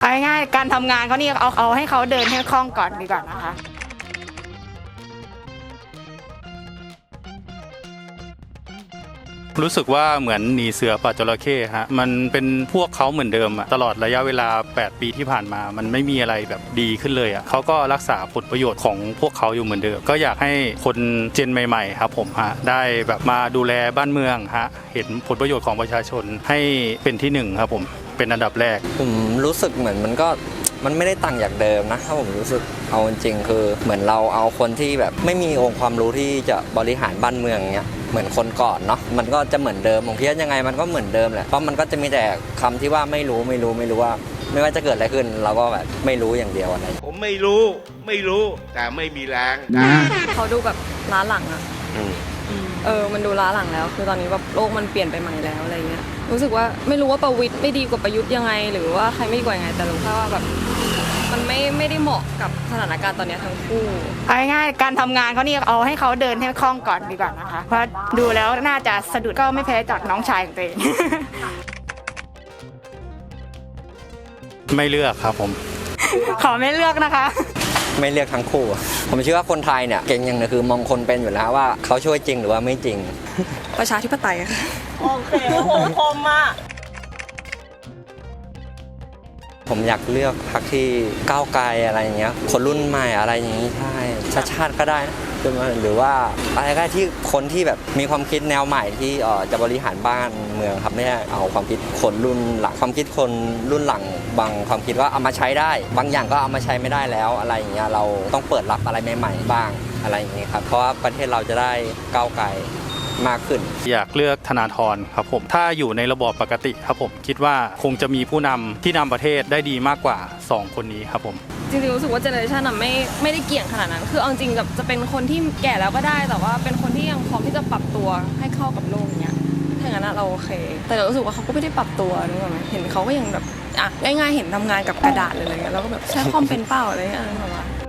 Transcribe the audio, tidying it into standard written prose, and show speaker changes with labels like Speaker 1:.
Speaker 1: เอาง่ายๆการทำงานเขานี่เอาให้เขาเดินให้คล่องก่อนดีกว่านะคะ
Speaker 2: รู้สึกว่าเหมือนหนีเสือป่าจระเข้ฮะมันเป็นพวกเขาเหมือนเดิมอะตลอดระยะเวลา8 ปีที่ผ่านมามันไม่มีอะไรแบบดีขึ้นเลยอะเขาก็รักษาผลประโยชน์ของพวกเขาอยู่เหมือนเดิมก็อยากให้คนเจนใหม่ๆครับผมฮะได้แบบมาดูแลบ้านเมืองฮะเห็นผลประโยชน์ของประชาชนให้เป็นที่หนึ่งครับผมเป็นอันดับแรก
Speaker 3: ผมรู้สึกเหมือนมันไม่ได้ต่างจากเดิมนะถ้าผมรู้สึกเอาจริงคือเหมือนเราเอาคนที่แบบไม่มีองค์ความรู้ที่จะบริหารบ้านเมืองเนี้ยเหมือนคนก่อนเนาะมันก็จะเหมือนเดิมผมคิดว่ายังไงมันก็เหมือนเดิมแหละเพราะมันก็จะมีแต่คำที่ว่าไม่รู้ว่าไม่ว่าจะเกิดอะไรขึ้นเราก็แบบไม่รู้อย่างเดียวอะไร
Speaker 4: ผมไม่รู้แต่ไม่มีแรง
Speaker 5: เขาดูแบบล้าหลังอะมันดูล้าหลังแล้วคือตอนนี้แบบโลกมันเปลี่ยนไปใหม่แล้วอะไรเงี้ยรู้สึกว่าไม่รู้ว่าประวิตรไม่ดีกว่าประยุทธ์ยังไงหรือว่าใครไม่ดีกว่ายังไงแต่รู้แค่ว่าแบบมันไม่ได้เหมาะกับสถานการณ์ตอนนี้ทั้งคู่
Speaker 1: เอาง่ายๆการทำงานเขานี่เอาให้เขาเดินให้คล่องก่อนดีกว่านะคะเพราะดูแล้วน่าจะสะดุดก็ไม่แพ้จากน้องชายของตัวเอง
Speaker 2: ไม่เลือกครับผม
Speaker 1: ขอไม่เลือกนะคะ
Speaker 3: ไม่เลือกทั้งคู่ผมเชื่อว่าคนไทยเนี่ยเก่งอย่างนึงคือมองคนเป็นอยู่แล้วว่าเขาช่วยจริงหรือว่าไม่จริง
Speaker 5: ประชาธิปไตยค่ะ
Speaker 1: โอเคโหคมมาก
Speaker 3: ผมอยากเลือกพรรคที่ก้าวไกลอะไรอย่างเงี้ยคนรุ่นใหม่อะไรอย่างงี้ใช่ชาติก็ได้นะหรือว่าอะไรก็ได้ที่คนที่แบบมีความคิดแนวใหม่ที่จะบริหารบ้านเมืองครับไม่ใช่เอาความคิดคนรุ่นหลังความคิดคนรุ่นหลังบางความคิดว่าเอามาใช้ได้บางอย่างก็เอามาใช้ไม่ได้แล้วอะไรอย่างเงี้ยเราต้องเปิดรับอะไรใหม่ๆบ้างอะไรอย่างเงี้ยครับเพราะว่าประเทศเราจะได้ก้าวไกลมากขึ้น
Speaker 2: อยากเลือกธนาธรครับผมถ้าอยู่ในระบอบปกติครับผมคิดว่าคงจะมีผู้นำที่นำประเทศได้ดีมากกว่า2 คนนี้ครับผม
Speaker 5: จริงๆรู้สึกว่าเจเนอเรชันไม่ได้เกี่ยงขนาดนั้นคือเอาจริงกับจะเป็นคนที่แก่แล้วก็ได้แต่ว่าเป็นคนที่ยังพร้อมที่จะปรับตัวให้เข้ากับโลกเนี้ยถ้าอย่างนั้นเราโอเคแต่เรารู้สึกว่าเขาก็ไม่ได้ปรับตัวนึกออกไหมเห็นเขาก็ยังแบบง่ายๆเห็นทำงานกับกระดาษเลยอะไรเงี้ยเราก็แบบใช้คอมเป็นเปล่าอะไรเงี้ยแบบว่า